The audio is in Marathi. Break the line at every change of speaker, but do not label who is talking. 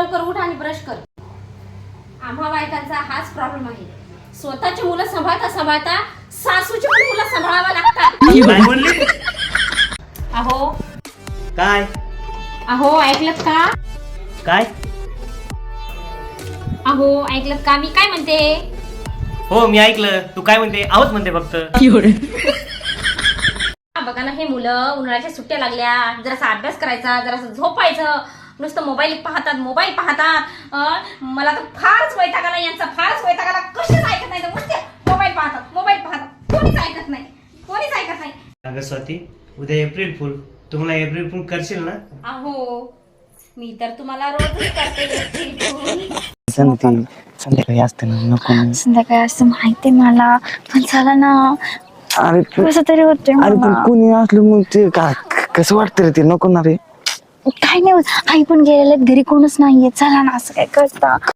लवकर उठ आणि ब्रश कर. आम्हा बायकांचा हाच प्रॉब्लेम आहे. स्वतःची मुलं सांभाळता सांभाळता सासूची पण मुलं सांभाळावं लागतात.
काय बोलली?
अहो
काय
अहो ऐकलत का?
काय?
अहो ऐकलत का मी काय म्हणते?
हो मी ऐकलं. तू काय म्हणते? आहोत म्हणते फक्त.
बघा ना, हे मुलं उन्हाळ्याच्या सुट्ट्या लागल्या, जरासा अभ्यास करायचा, जरासं झोपायचं, नुसतं मोबाईल पाहतात. मला तर फारच वैताग आला यांचा, फारच वैताग आला. कशीच ऐकत नाही, नुसते मोबाईल पाहतात. कोणीच ऐकत नाही.
अगं स्वाती, उद्या एप्रिल फुल. तुम्हाला एप्रिल फुल करशील ना?
अहो मी तर तुम्हाला रोजच करते.
संध्याकाळी असते ना, नको ना.
संध्याकाळी असं माहिती मला, पण चला ना.
अरे
कसं तरी होते
अरे पण कोणी असलं मग ते कसं वाटतं रे, ते नको ना रे.
काय नाही होत, आई पण गेलेले घरी, कोणच नाहीये. चला ना, असं काय करता.